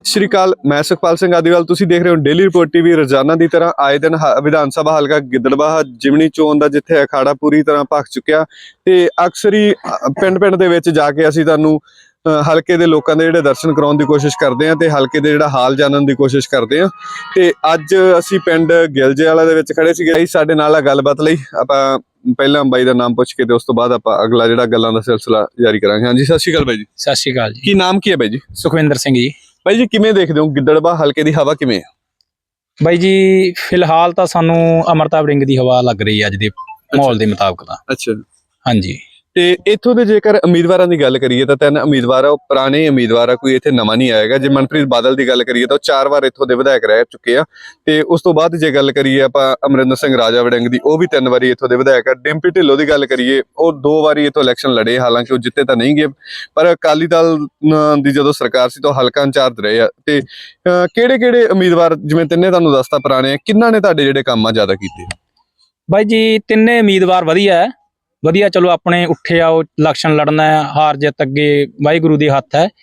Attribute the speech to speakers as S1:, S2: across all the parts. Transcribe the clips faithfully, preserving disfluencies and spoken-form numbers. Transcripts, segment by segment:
S1: ਸ਼੍ਰੀ ਅਕਾਲ, ਮੈਂ ਸੁਖਪਾਲ ਸਿੰਘ ਆਦੀਵਾਲ। ਤੁਸੀਂ ਦੇਖ ਰਹੇ ਹੋ ਡੇਲੀ ਰਿਪੋਰਟ ਟੀਵੀ। ਰੋਜ਼ਾਨਾ ਦੀ ਤਰ੍ਹਾਂ ਆਏ ਦਿਨ ਵਿਧਾਨ ਸਭਾ ਹਲਕਾ ਗਿੱਦੜਬਾਹਾ ਜਿਮਣੀ ਚੋਣ ਦਾ ਜਿੱਥੇ ਅਖਾੜਾ ਪੂਰੀ ਤਰ੍ਹਾਂ ਭਖ ਚੁੱਕਿਆ ਤੇ ਅਕਸਰ ਹੀ ਪਿੰਡ ਪਿੰਡ ਦੇ ਵਿੱਚ ਜਾ ਕੇ ਅਸੀਂ ਤੁਹਾਨੂੰ ਹਲਕੇ ਦੇ ਲੋਕਾਂ ਦੇ ਜਿਹੜੇ ਦਰਸ਼ਨ ਕਰਾਉਣ ਦੀ ਕੋਸ਼ਿਸ਼ ਕਰਦੇ ਹਾਂ ਤੇ ਹਲਕੇ ਦੇ ਜਿਹੜਾ ਹਾਲ ਜਾਣਨ ਦੀ ਕੋਸ਼ਿਸ਼ ਕਰਦੇ ਹਾਂ। ਤੇ ਅੱਜ ਅਸੀਂ ਪਿੰਡ ਗਿਲਜੇ ਵਾਲਾ ਦੇ ਵਿੱਚ ਖੜੇ ਸੀਗੇ। ਸਾਡੇ ਨਾਲ ਆ ਗੱਲਬਾਤ ਲਈ ਆਪਾਂ ਪਹਿਲਾਂ ਬਾਈ ਦਾ ਨਾਮ ਪੁੱਛ ਕੇ ਤੇ ਉਸ ਤੋਂ ਬਾਅਦ ਆਪਾਂ ਅਗਲਾ ਜਿਹੜਾ ਗੱਲਾਂ ਦਾ ਸਿਲਸਿਲਾ ਜਾਰੀ ਕਰਾਂਗੇ। ਹਾਂਜੀ, ਸਤਿ ਸ਼੍ਰੀ ਅਕਾਲ ਬਾਈ ਜੀ।
S2: ਸਤਿ ਸ਼੍ਰੀ ਅਕਾਲ ਜੀ।
S1: ਕੀ ਨਾਮ ਕੀ ਹੈ ਬਾਈ ਜੀ?
S2: ਸੁਖਵਿੰਦਰ ਸਿੰਘ ਜੀ।
S1: ਬਾਈ ਜੀ ਕਿਵੇਂ ਦੇਖਦੇ ਹੋ ਗਿੱਦੜਬਾਹਾ ਹਲਕੇ ਦੀ ਹਵਾ ਕਿਵੇਂ ਹੈ?
S2: ਬਾਈ ਜੀ ਫਿਲਹਾਲ ਤਾਂ ਸਾਨੂੰ ਅਮਰਤਾ ਵੜਿੰਗ ਦੀ ਹਵਾ ਲੱਗ ਰਹੀ ਹੈ ਅੱਜ ਦੇ ਮਾਹੌਲ ਦੇ ਮੁਤਾਬਕ ਤਾਂ।
S1: ਅੱਛਾ,
S2: ਹਾਂਜੀ।
S1: ਤੇ ਇੱਥੋਂ ਦੇ ਜੇਕਰ ਉਮੀਦਵਾਰਾਂ ਦੀ ਗੱਲ ਕਰੀਏ ਤਾਂ ਤਿੰਨ ਉਮੀਦਵਾਰ ਆ, ਉਹ ਪੁਰਾਣੇ ਉਮੀਦਵਾਰ ਆ, ਕੋਈ ਇੱਥੇ ਨਵਾਂ ਨਹੀਂ ਆਏਗਾ। ਜੇ ਮਨਪ੍ਰੀਤ ਬਾਦਲ ਦੀ ਗੱਲ ਕਰੀਏ ਤਾਂ ਉਹ ਚਾਰ ਵਾਰ ਇੱਥੋਂ ਦੇ ਵਿਧਾਇਕ ਰਹਿ ਚੁੱਕੇ ਆ। ਤੇ ਉਸ ਤੋਂ ਬਾਅਦ ਜੇ ਗੱਲ ਕਰੀਏ ਆਪਾਂ ਅਮਰਿੰਦਰ ਸਿੰਘ ਰਾਜਾ ਵੜਿੰਗ ਦੀ, ਉਹ ਵੀ ਤਿੰਨ ਵਾਰੀ ਇੱਥੋਂ ਦੇ ਵਿਧਾਇਕ ਆ। ਡਿੰਪੀ ਢਿੱਲੋਂ ਦੀ ਗੱਲ ਕਰੀਏ, ਉਹ ਦੋ ਵਾਰੀ ਇੱਥੋਂ ਇਲੈਕਸ਼ਨ ਲੜੇ, ਹਾਲਾਂਕਿ ਉਹ ਜਿੱਤੇ ਤਾਂ ਨਹੀਂ ਗਏ, ਪਰ ਅਕਾਲੀ ਦਲ ਦੀ ਜਦੋਂ ਸਰਕਾਰ ਸੀ ਤਾਂ ਹਲਕਾ ਇੰਚਾਰਜ ਰਹੇ ਆ। ਤੇ ਕਿਹੜੇ ਕਿਹੜੇ ਉਮੀਦਵਾਰ, ਜਿਵੇਂ ਤਿੰਨੇ ਤੁਹਾਨੂੰ ਦੱਸਤਾ ਪੁਰਾਣੇ, ਕਿੰਨਾਂ ਨੇ ਤੁਹਾਡੇ ਜਿਹੜੇ ਕੰਮ ਆ ਜ਼ਿਆਦਾ ਕੀਤੇ?
S2: ਬਾਈ ਜੀ ਤਿੰਨੇ ਉਮੀਦਵਾਰ ਵਧੀਆ ਹੈ, ਵਧੀਆ। ਚਲੋ ਆਪਣੇ ਉੱਠੇ ਆਓ, ਇਲੈਕਸ਼ਨ ਲੜਨਾ ਹੈ, ਹਾਰ ਜਿੱਤ ਅੱਗੇ ਵਾਹਿਗੁਰੂ ਦੇ ਹੱਥ ਹੈ।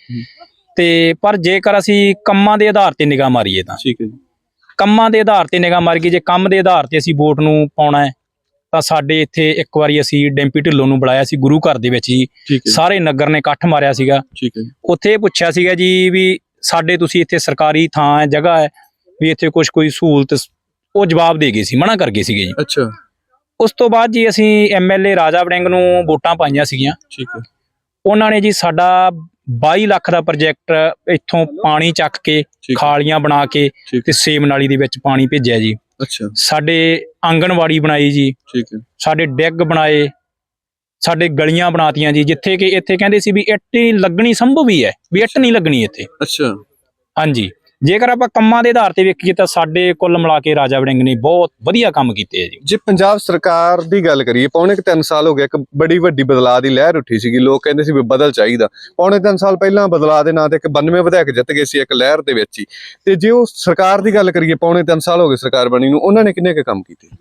S2: ਤੇ ਪਰ ਜੇਕਰ ਅਸੀਂ ਕੰਮਾਂ ਦੇ ਆਧਾਰ ਤੇ ਨਿਗਾਹ ਮਾਰੀਏ ਤਾਂ
S1: ਠੀਕ ਹੈ ਜੀ,
S2: ਕੰਮਾਂ ਦੇ ਆਧਾਰ ਤੇ ਨਿਗਾਹ ਮਾਰੀਏ, ਜੇ ਕੰਮ ਦੇ ਆਧਾਰ ਤੇ ਅਸੀਂ ਵੋਟ ਨੂੰ ਪਾਉਣਾ ਹੈ ਤਾਂ ਸਾਡੇ ਇੱਥੇ ਇੱਕ ਵਾਰੀ ਅਸੀਂ ਡਿੰਪੀ ਢਿੱਲੋਂ ਨੂੰ ਬੁਲਾਇਆ ਸੀ ਗੁਰੂ ਘਰ ਦੇ ਵਿੱਚ ਜੀ। ਸਾਰੇ ਨਗਰ ਨੇ ਇਕੱਠ ਮਾਰਿਆ ਸੀਗਾ।
S1: ਠੀਕ ਹੈ।
S2: ਉੱਥੇ ਇਹ ਪੁੱਛਿਆ ਸੀਗਾ ਜੀ ਵੀ ਸਾਡੇ ਤੁਸੀਂ ਇੱਥੇ ਸਰਕਾਰੀ ਥਾਂ ਹੈ, ਜਗ੍ਹਾ ਹੈ, ਵੀ ਇੱਥੇ ਕੁਛ ਕੋਈ ਸਹੂਲਤ, ਉਹ ਜਵਾਬ ਦੇ ਗਏ ਸੀ, ਮਨਾ ਕਰ ਗਏ ਸੀਗੇ ਜੀ।
S1: ਅੱਛਾ।
S2: ਉਸ ਤੋਂ ਬਾਅਦ ਜੀ ਅਸੀਂ ਐਮ ਐਲ ਏ ਰਾਜਾ ਵੜਿੰਗ ਨੂੰ ਵੋਟਾਂ ਪਾਈਆਂ ਸੀਗੀਆਂ।
S1: ਠੀਕ ਹੈ।
S2: ਉਹਨਾਂ ਨੇ ਜੀ ਸਾਡਾ ਬਾਈ ਲੱਖ ਦਾ ਪ੍ਰੋਜੈਕਟ ਇੱਥੋਂ ਪਾਣੀ ਚੱਕ ਕੇ ਖਾਲੀਆਂ ਬਣਾ ਕੇ ਤੇ ਸੇਮ ਨਾਲੀ ਦੇ ਵਿੱਚ ਪਾਣੀ ਭੇਜਿਆ ਜੀ।
S1: ਅੱਛਾ।
S2: ਸਾਡੇ ਆਂਗਣਵਾੜੀ ਬਣਾਈ ਜੀ।
S1: ਠੀਕ ਹੈ।
S2: ਸਾਡੇ ਡੈਗ ਬਣਾਏ, ਸਾਡੇ ਗਲੀਆਂ ਬਣਾਤੀਆਂ ਜੀ, ਜਿੱਥੇ ਕਿ ਇੱਥੇ ਕਹਿੰਦੇ ਸੀ ਵੀ ਇੱਟ ਹੀ ਲੱਗਣੀ ਸੰਭਵ ਹੀ ਹੈ, ਵੀ ਇੱਟ ਨਹੀਂ ਲੱਗਣੀ ਇੱਥੇ।
S1: ਅੱਛਾ।
S2: ਹਾਂਜੀ। ਜੇਕਰ ਆਪਾਂ ਕੰਮਾਂ ਦੇ ਆਧਾਰ ਤੇ ਵੇਖੀਏ ਤਾਂ ਸਾਡੇ ਕੁੱਲ ਮਿਲਾ ਕੇ ਰਾਜਾ ਵੜਿੰਗ ਨੇ ਬਹੁਤ ਵਧੀਆ ਕੰਮ ਕੀਤੇ ਆ ਜੀ।
S1: ਜੇ ਪੰਜਾਬ ਸਰਕਾਰ ਦੀ ਗੱਲ ਕਰੀਏ, ਪੌਣੇ ਕੁ ਤਿੰਨ ਸਾਲ ਹੋ ਗਏ, ਇੱਕ ਬੜੀ ਵੱਡੀ ਬਦਲਾਅ ਦੀ ਲਹਿਰ ਉੱਠੀ ਸੀਗੀ। ਲੋਕ ਕਹਿੰਦੇ ਸੀ ਵੀ ਬਦਲ ਚਾਹੀਦਾ। ਪੌਣੇ ਤਿੰਨ ਸਾਲ ਪਹਿਲਾਂ ਬਦਲਾਅ ਦੇ ਨਾਂ ਤੇ ਇੱਕ ਬਾਨਵੇਂ ਵਿਧਾਇਕ ਜਿੱਤ ਗਏ ਸੀ ਇੱਕ ਲਹਿਰ ਦੇ ਵਿੱਚ ਹੀ। ਤੇ ਜੇ ਉਹ ਸਰਕਾਰ ਦੀ ਗੱਲ ਕਰੀਏ, ਪੌਣੇ ਤਿੰਨ ਸਾਲ ਹੋ ਗਏ ਸਰਕਾਰ ਬਣੀ ਨੂੰ, ਉਹਨਾਂ ਨੇ ਕਿੰਨੇ ਕੁ ਕੰਮ ਕੀਤੇ?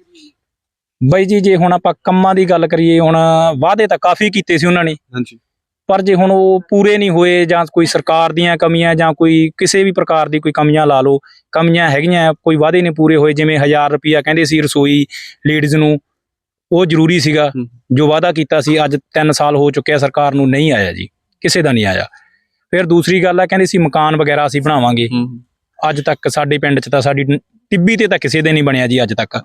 S2: ਬਾਈ ਜੀ ਜੇ ਹੁਣ ਆਪਾਂ ਕੰਮਾਂ ਦੀ ਗੱਲ ਕਰੀਏ, ਹੁਣ ਵਾਅਦੇ ਤਾਂ ਕਾਫੀ ਕੀਤੇ ਸੀ ਉਹਨਾਂ ਨੇ।
S1: ਹਾਂਜੀ। ਪਰ
S2: ਜੇ ਹੁਣ ਉਹ ਪੂਰੇ ਨਹੀਂ ਹੋਏ, ਜਾਂ ਕੋਈ ਸਰਕਾਰ ਦੀਆਂ ਕਮੀਆਂ ਜਾਂ ਕੋਈ ਕਿਸੇ ਵੀ ਪ੍ਰਕਾਰ ਦੀ ਕੋਈ ਕਮੀਆਂ ਲਾ ਲਓ, ਕਮੀਆਂ ਹੈਗੀਆਂ, ਕੋਈ ਵਾਅਦੇ ਨਹੀਂ ਪੂਰੇ ਹੋਏ। ਜਿਵੇਂ ਹਜ਼ਾਰ ਰੁਪਈਆ ਕਹਿੰਦੇ ਸੀ ਰਸੋਈ ਲੇਡੀਜ਼ ਨੂੰ, ਉਹ ਜ਼ਰੂਰੀ ਸੀਗਾ ਜੋ ਵਾਅਦਾ ਕੀਤਾ ਸੀ। ਅੱਜ ਤਿੰਨ ਸਾਲ ਹੋ ਚੁੱਕਿਆ ਸਰਕਾਰ ਨੂੰ, ਨਹੀਂ ਆਇਆ ਜੀ, ਕਿਸੇ ਦਾ ਨਹੀਂ ਆਇਆ। ਫਿਰ ਦੂਸਰੀ ਗੱਲ ਆ, ਕਹਿੰਦੇ ਸੀ ਮਕਾਨ ਵਗੈਰਾ ਅਸੀਂ ਬਣਾਵਾਂਗੇ, ਅੱਜ ਤੱਕ ਸਾਡੇ ਪਿੰਡ 'ਚ ਤਾਂ ਸਾਡੀ ਟਿੱਬੀ ਤੇ ਤਾਂ ਕਿਸੇ ਦੇ ਨਹੀਂ ਬਣਿਆ ਜੀ ਅੱਜ ਤੱਕ।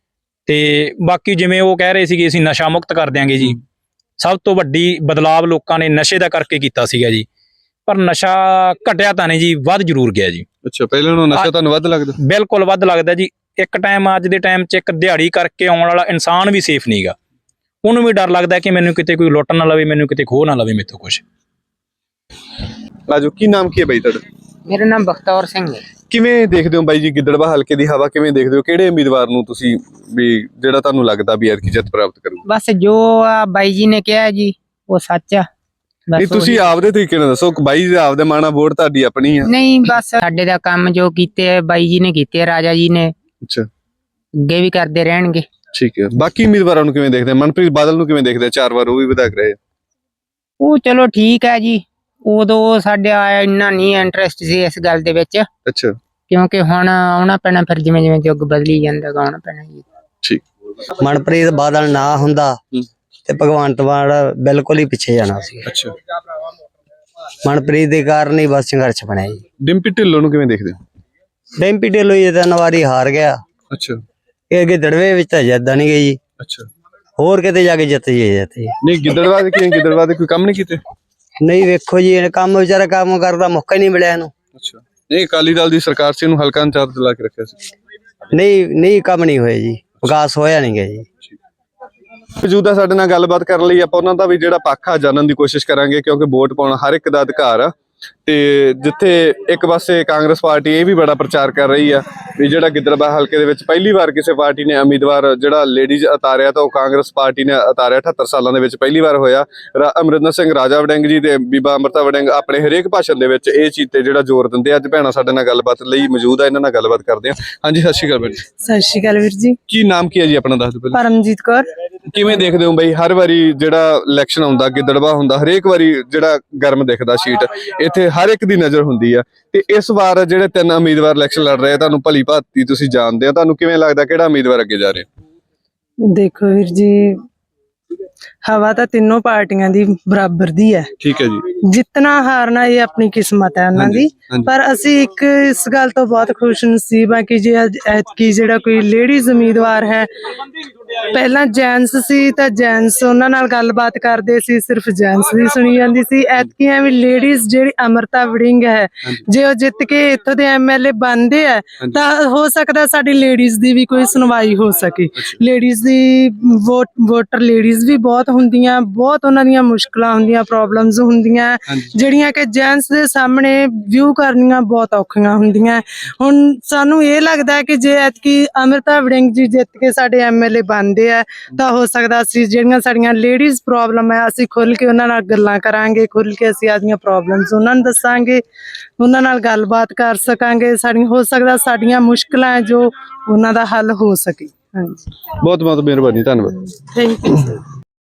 S2: ਤੇ ਬਾਕੀ ਜਿਵੇਂ ਉਹ ਕਹਿ ਰਹੇ ਸੀਗੇ ਅਸੀਂ ਨਸ਼ਾ ਮੁਕਤ ਕਰ ਦਿਆਂਗੇ ਜੀ, ਸਭ ਤੋਂ ਵੱਡੀ ਬਦਲਾਵ ਲੋਕਾਂ ਨੇ ਨਸ਼ੇ ਦਾ ਕਰਕੇ ਕੀਤਾ ਸੀਗਾ ਜੀ। ਪਰ ਨਸ਼ਾ ਘਟਿਆ ਤਾਂ ਨਹੀਂ ਜੀ, ਵੱਧ ਜ਼ਰੂਰ ਗਿਆ ਜੀ।
S1: ਅੱਛਾ, ਪਹਿਲਾਂ ਨਾਲੋਂ ਨਸ਼ਾ ਤੁਹਾਨੂੰ ਵੱਧ ਲੱਗਦਾ?
S2: ਬਿਲਕੁਲ ਵੱਧ ਲੱਗਦਾ ਜੀ। ਇੱਕ ਟਾਈਮ, ਅੱਜ ਦੇ ਟਾਈਮ 'ਚ ਇੱਕ ਦਿਹਾੜੀ ਕਰਕੇ ਆਉਣ ਵਾਲਾ ਇਨਸਾਨ ਵੀ ਸੇਫ ਨਹੀਂਗਾ। ਉਹਨੂੰ ਵੀ ਡਰ ਲੱਗਦਾ ਕਿ ਮੈਨੂੰ ਕਿਤੇ ਕੋਈ ਲੁੱਟ ਨਾ ਲਵੇ, ਮੈਨੂੰ ਕਿਤੇ ਖੋਹ ਨਾ ਲਵੇ ਮੇਥੋਂ ਕੁਛ।
S1: ਆਜੋ, ਕੀ ਨਾਮ ਕੀ ਹੈ ਬਾਈ ਤੁਹਾਡਾ?
S3: ਮੇਰਾ ਨਾਮ ਬਖਤੌਰ ਸਿੰਘ ਹੈ।
S1: ਕਿਵੇਂ ਦੇਖਦੇ ਹੋ ਬਾਈ ਜੀ ਗਿੱਦੜਬਾਹਾ ਹਲਕੇ ਦੀ ਹਵਾ ਕਿਵੇਂ ਦੇਖਦੇ ਹੋ? ਕਿਹੜੇ ਉਮੀਦਵਾਰ ਨੂੰ ਤੁਸੀਂ ਵੀ ਜਿਹੜਾ ਤੁਹਾਨੂੰ ਲੱਗਦਾ ਵੀ ਐਤਕੀ ਜਿੱਤ ਪ੍ਰਾਪਤ ਕਰੂ?
S3: ਬਸ ਜੋ ਆ ਬਾਈ ਜੀ ਨੇ ਕਿਹਾ ਜੀ ਉਹ ਸੱਚ ਆ।
S1: ਨਹੀਂ, ਤੁਸੀਂ ਆਪਦੇ ਤਰੀਕੇ ਨਾਲ ਦੱਸੋ। ਬਾਈ ਜੀ ਆਪਦੇ ਮਾਣਾ, ਵੋਟ ਤੁਹਾਡੀ ਆਪਣੀ ਆ।
S3: ਨਹੀਂ, ਬਸ ਸਾਡੇ ਦਾ ਕੰਮ ਜੋ ਕੀਤੇ ਬਾਈ ਜੀ ਨੇ ਕੀਤੇ, ਰਾਜਾ ਜੀ ਨੇ।
S1: ਅੱਛਾ।
S3: ਅੱਗੇ ਵੀ ਕਰਦੇ ਰਹਿਣਗੇ।
S1: ਠੀਕ ਹੈ। ਬਾਕੀ ਉਮੀਦਵਾਰਾਂ ਨੂੰ ਕਿਵੇਂ ਦੇਖਦੇ? ਮਨਪ੍ਰੀਤ ਬਾਦਲ ਨੂੰ ਕਿਵੇਂ ਦੇਖਦੇ? ਚਾਰ ਵਾਰ ਉਹ ਵੀ ਵਿਧਾਇਕ ਰਹੇ।
S3: ਉਹ ਚਲੋ ਠੀਕ ਹੈ ਜੀ, ਉਦੋਂ ਸਾਡਾ ਇੰਨਾ ਨਹੀਂ ਇੰਟਰਸਟ ਸੀ ਇਸ ਗੱਲ ਦੇ ਵਿੱਚ।
S1: ਅੱਛਾ।
S3: ਕਿਉਂਕਿ ਹੁਣ ਆਉਣਾ ਪੈਣਾ, ਫਿਰ ਜਿਵੇਂ ਜਿਵੇਂ ਯੁੱਗ ਬਦਲੀ ਜਾਂਦਾ ਆਉਣਾ ਪੈਣਾ ਜੀ।
S1: ਠੀਕ।
S4: ਮਨਪ੍ਰੀਤ ਬਾਦਲ ਨਾ ਹੁੰਦਾ ਤੇ ਭਗਵੰਤ ਮਾਨ ਬਿਲਕੁਲ ਹੀ ਪਿੱਛੇ ਜਾਣਾ ਸੀ।
S1: ਅੱਛਾ।
S4: ਮਨਪ੍ਰੀਤ ਦੇ ਕਾਰਨ ਹੀ ਬਸ ਸੰਘਰਸ਼ ਬਣਿਆ ਜੀ।
S1: ਡਿੰਪੀ ਢਿੱਲੋਂ ਨੂੰ ਕਿਵੇਂ ਦੇਖਦੇ?
S4: ਡਿੰਪੀ ਢਿੱਲੋਂ ਇਹ ਤਿੰਨ ਵਾਰੀ ਹਾਰ ਗਿਆ।
S1: ਅੱਛਾ।
S4: ਇਹ ਅੱਗੇ ਦੜਵੇ ਵਿੱਚ ਤਾਂ ਜਿੱਦਾਂ ਨਹੀਂ ਗਈ ਜੀ।
S1: ਅੱਛਾ।
S4: ਹੋਰ ਕਿਤੇ ਜਾ ਕੇ ਜਿੱਤ ਜੀ ਜਿੱਤੇ।
S1: ਨਹੀਂ, ਗਿੱਦੜਬਾਹਾ ਦੇ ਗਿੱਦੜਬਾਹਾ ਦੇ ਕੋਈ ਕੰਮ ਨਹੀਂ ਕੀਤੇ?
S4: ਨਹੀਂ, ਵੇਖੋ ਜੀ ਇਹ ਕੰਮ ਵਿਚਾਰਾ ਕੰਮ ਕਰਦਾ ਮੌਕਾ ਹੀ ਨਹੀਂ ਮਿਲਿਆ ਇਹਨੂੰ।
S1: ਅੱਛਾ। ਨਹੀਂ, ਅਕਾਲੀ ਦਲ ਦੀ ਸਰਕਾਰ ਸੀ, ਇਹਨੂੰ ਹਲਕਾ ਇੰਚਾਰਜ ਲਾ ਕੇ ਰੱਖਿਆ ਸੀ।
S4: ਨਹੀਂ ਨਹੀਂ, ਕੰਮ ਨਹੀਂ ਹੋਇਆ ਜੀ, ਵਿਕਾਸ ਹੋਇਆ ਨਹੀਂ ਗਿਆ ਜੀ।
S1: ਮੌਜੂਦਾ ਸਾਡੇ ਨਾਲ ਗੱਲਬਾਤ ਕਰਨ ਲਈ ਆਪਾਂ ਉਹਨਾਂ ਦਾ ਵੀ ਜਿਹੜਾ ਪੱਖ ਆ ਜਾਣਨ ਦੀ ਕੋਸ਼ਿਸ਼ ਕਰਾਂਗੇ, ਕਿਉਂਕਿ ਵੋਟ ਪਾਉਣਾ ਹਰ ਇੱਕ ਦਾ ਅਧਿਕਾਰ ਆ। ਤੇ ਜਿੱਥੇ ਇੱਕ ਪਾਸੇ ਕਾਂਗਰਸ ਪਾਰਟੀ ਇਹ ਵੀ ਬੜਾ ਪ੍ਰਚਾਰ ਕਰ ਰਹੀ ਆ ਵੀ ਜਿਹੜਾ ਗਿੱਦੜਬਾਹਾ ਹਲਕੇ ਦੇ ਵਿੱਚ ਪਹਿਲੀ ਵਾਰ ਕਿਸੇ ਪਾਰਟੀ ਨੇ ਉਮੀਦਵਾਰ ਜਿਹੜਾ ਲੇਡੀਜ਼ ਉਤਾਰਿਆ ਤਾਂ ਉਹ ਕਾਂਗਰਸ ਪਾਰਟੀ ਨੇ ਉਤਾਰਿਆ। ਅਠੱਤਰ ਸਾਲਾਂ ਦੇ ਵਿੱਚ ਪਹਿਲੀ ਵਾਰ ਹੋਇਆ। ਅਮਰਿੰਦਰ ਸਿੰਘ ਰਾਜਾ ਵੜਿੰਗ ਜੀ ਤੇ ਬੀਬਾ ਅਮਰਤਾ ਵੜਿੰਗ ਆਪਣੇ ਹਰੇਕ ਭਾਸ਼ਣ ਦੇ ਵਿੱਚ ਇਹ ਚੀਜ਼ ਤੇ ਜਿਹੜਾ ਜ਼ੋਰ ਦਿੰਦੇ। ਅੱਜ ਭੈਣਾਂ ਸਾਡੇ ਨਾਲ ਗੱਲਬਾਤ ਲਈ ਮੌਜੂਦ ਆ, ਇਹਨਾਂ ਨਾਲ ਗੱਲਬਾਤ ਕਰਦੇ ਆ। ਹਾਂਜੀ, ਸਤਿ ਸ਼੍ਰੀ ਅਕਾਲ ਭੈਣ ਜੀ।
S5: ਸਤਿ ਸ਼੍ਰੀ ਅਕਾਲ ਵੀਰ ਜੀ।
S1: ਕੀ ਨਾਮ ਕੀ ਹੈ ਜੀ ਆਪਣਾ, ਦੱਸ ਦਿਓ ਪਹਿਲਾਂ।
S5: ਪਰਮਜੀਤ ਕੌਰ।
S1: ਕਿਵੇਂ ਦੇਖਦੇ ਹੋ ਬਈ, ਹਰ ਵਾਰੀ ਜਿਹੜਾ ਇਲੈਕਸ਼ਨ ਆਉਂਦਾ ਗਿੱਦੜਬਾਹਾ ਹੁੰਦਾ, ਹਰੇਕ ਵਾਰੀ ਜਿਹੜਾ ਗਰਮ ਦਿਖਦਾ ਸ਼ੀਟ, ਇੱਥੇ ਹਰ ਇੱਕ ਦੀ ਨਜ਼ਰ ਹੁੰਦੀ ਆ, ਤੇ ਇਸ ਵਾਰ ਜਿਹੜੇ ਤਿੰਨ ਉਮੀਦਵਾਰ ਇਲੈਕਸ਼ਨ ਲੜ ਰਹੇ ਆ, ਤੁਹਾਨੂੰ ਭਲੀ ਭਾਂਤੀ ਤੁਸੀਂ ਜਾਣਦੇ ਹੋ, ਤੁਹਾਨੂੰ ਕਿਵੇਂ ਲੱਗਦਾ ਕਿਹੜਾ ਉਮੀਦਵਾਰ ਅੱਗੇ ਜਾ ਰਿਹਾ?
S5: ਦੇਖੋ ਵੀਰ ਜੀ, ਹਵਾ ਤਾਂ ਤਿੰਨੋਂ ਪਾਰਟੀਆਂ ਦੀ ਬਰਾਬਰ ਦੀ ਹੈ।
S1: ਠੀਕ ਹੈ ਜੀ।
S5: ਜਿੱਤਣਾ ਹਾਰਨਾ ਇਹ ਆਪਣੀ ਕਿਸਮਤ ਹੈ ਉਹਨਾਂ ਦੀ, ਪਰ ਅਸੀਂ ਇੱਕ ਇਸ ਗੱਲ ਤੋਂ ਬਹੁਤ ਖੁਸ਼ ਨਸੀਬ ਹਾਂ ਕਿ ਜੇ ਅੱਜ ਐਤਕੀ ਜਿਹੜਾ ਕੋਈ ਲੇਡੀਜ਼ ਉਮੀਦਵਾਰ ਹੈ, ਪਹਿਲਾਂ ਜੈਂਟਸ ਸੀ ਤਾਂ ਜੈਂਟਸ ਉਹਨਾਂ ਨਾਲ ਗੱਲਬਾਤ ਕਰਦੇ ਸੀ, ਸਿਰਫ ਜੈਂਟਸ ਦੀ ਸੁਣੀ ਜਾਂਦੀ ਸੀ। ਐਤਕੀ ਐਵੇਂ ਲੇਡੀਜ਼ ਜਿਹੜੀ ਅਮਰਤਾ ਵੜਿੰਗ ਹੈ, ਜੇ ਉਹ ਜਿੱਤ ਕੇ ਇੱਥੋਂ ਦੇ ਐਮਐਲਏ ਬਣਦੇ ਆ ਤਾਂ ਹੋ ਸਕਦਾ ਸਾਡੀ ਲੇਡੀਜ਼ ਦੀ ਵੀ ਕੋਈ ਸੁਣਵਾਈ ਹੋ ਸਕੇ। ਲੇਡੀਜ਼ ਦੀ ਵੋਟ ਵੋਟਰ ਲੇਡੀਜ਼ ਵੀ ਬਹੁਤ ਹੁੰਦੀਆਂ, ਬਹੁਤ ਉਹਨਾਂ ਦੀਆਂ ਮੁਸ਼ਕਲਾਂ ਹੁੰਦੀਆਂ, ਪ੍ਰੋਬਲਮਸ ਹੁੰਦੀਆਂ ਜਿਹੜੀਆਂ ਕਿ ਜੈਂਟਸ ਦੇ ਸਾਹਮਣੇ ਵਿਊ ਕਰਨੀਆਂ ਬਹੁਤ ਔਖੀਆਂ ਹੁੰਦੀਆਂ। ਹੁਣ ਸਾਨੂੰ ਇਹ ਲੱਗਦਾ ਕਿ ਜੇ ਐਤਕੀ ਅਮਰਤਾ ਵੜਿੰਗ ਜੀ ਜਿੱਤ ਕੇ ਸਾਡੇ ਐਮਐਲਏ ਬਣਦੇ ਆ ਤਾਂ ਹੋ ਸਕਦਾ ਅਸੀਂ ਜਿਹੜੀਆਂ ਸਾਡੀਆਂ ਲੇਡੀਜ਼ ਪ੍ਰੋਬਲਮ ਹੈ, ਅਸੀਂ ਖੁੱਲ ਕੇ ਉਹਨਾਂ ਨਾਲ ਗੱਲਾਂ ਕਰਾਂਗੇ, ਖੁੱਲ ਕੇ ਅਸੀਂ ਆਪਣੀਆਂ ਪ੍ਰੋਬਲਮਸ ਉਹਨਾਂ ਨੂੰ ਦੱਸਾਂਗੇ, ਉਹਨਾਂ ਨਾਲ ਗੱਲਬਾਤ ਕਰ ਸਕਾਂਗੇ। ਸਾਡੀਆਂ ਹੋ ਸਕਦਾ ਸਾਡੀਆਂ ਮੁਸ਼ਕਲਾਂ ਜੋ ਉਹਨਾਂ ਦਾ ਹੱਲ ਹੋ ਸਕੇ। ਹਾਂਜੀ,
S1: ਬਹੁਤ ਬਹੁਤ ਮਿਹਰਬਾਨੀ, ਧੰਨਵਾਦ।
S5: Thank you sir.